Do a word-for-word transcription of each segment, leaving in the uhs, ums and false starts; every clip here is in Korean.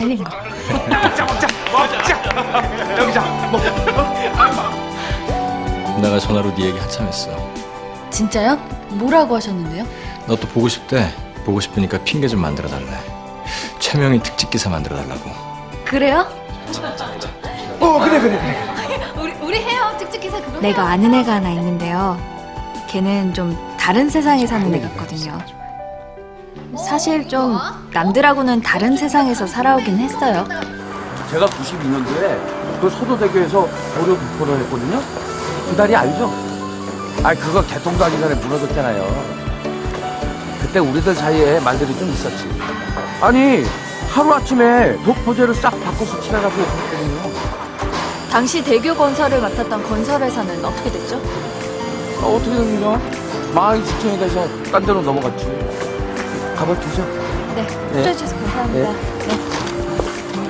일로. 먹자 먹자 먹자. 여기자 먹. 내가 전화로 네 얘기 한참 했어. 진짜요? 뭐라고 하셨는데요? 너 또 보고 싶대. 보고 싶으니까 핑계 좀 만들어 달래. 최명희 특집 기사 만들어 달라고. 그래요? 어 그래 그래 그래. 우리 우리 해요. 특집 기사 그거. 내가 아는 애가 하나 있는데요. 걔는 좀 다른 세상에 사는 애 같거든요. 사실 좀 남들하고는 다른 세상에서 살아오긴 했어요. 제가 구십이 년도에 그 서도대교에서 도로 부포를 했거든요. 그 다리 알죠? 아 그거 개통도 하기 전에 무너졌잖아요. 그때 우리들 사이에 말들이 좀 있었지. 아니 하루아침에 독포제를 싹 바꿔서 칠해가지고 했거든요. 당시 대교 건설을 맡았던 건설회사는 어떻게 됐죠? 아, 어떻게 된 거죠? 망하기 직전이 돼서 딴 데로 넘어갔지. 가봐주죠. 네, 네. 해주셔서 감사합니다. 네. 네.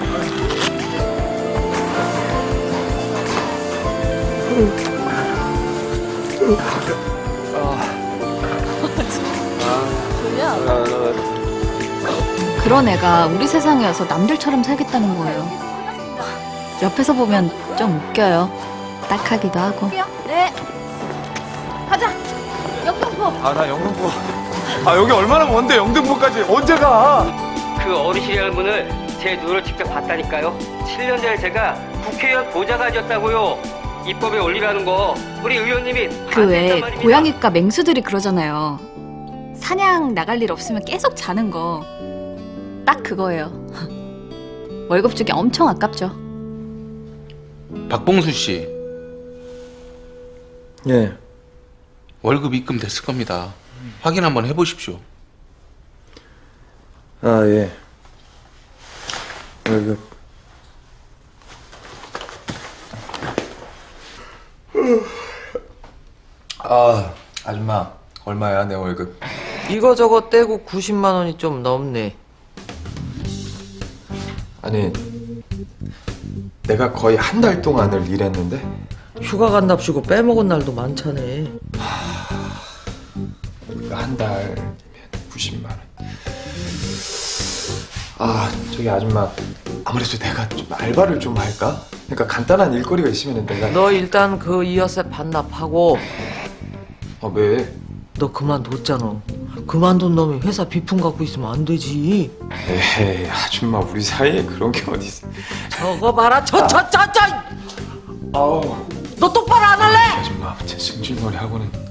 그런 애가 우리 세상이어서 남들처럼 살겠다는 거예요. 옆에서 보면 좀 웃겨요. 딱하기도 하고. 네. 가자. 영등포. 아 나 영등포. 아 여기 얼마나 먼데 영등포까지 언제 가? 그 어르신의 문을 제 눈으로 직접 봤다니까요. 칠 년 전에 제가 국회의원 보좌관이었다고요. 입법에 올리라는 거 우리 의원님이 그 외에 고양이과 맹수들이 그러잖아요. 사냥 나갈 일 없으면 계속 자는 거. 딱 그거예요. 월급 주기 엄청 아깝죠. 박봉수 씨, 예. 월급 입금됐을 겁니다. 확인 한번 해보십시오. 아 예. 월급. 아, 아줌마 얼마야 내 월급? 이거저거 떼고 구십만 원이 좀 넘네. 아니 내가 거의 한 달 동안을 일했는데 휴가 간답시고 빼먹은 날도 많잖아. 한 달이면 구십만 원. 아 저기 아줌마 아무래도 내가 좀 알바를 좀 할까? 그러니까 간단한 일거리가 있으면 내가 너 일단 그 이어세 반납하고. 아 왜? 너 그만뒀잖아. 그만둔 놈이 회사 비품 갖고 있으면 안 되지. 에이 아줌마 우리 사이에 그런 게 어디 있어? 저거 봐라. 저 저 저 저. 아우 너 똑바로 안 할래? 아줌마 제 승질머리 하고는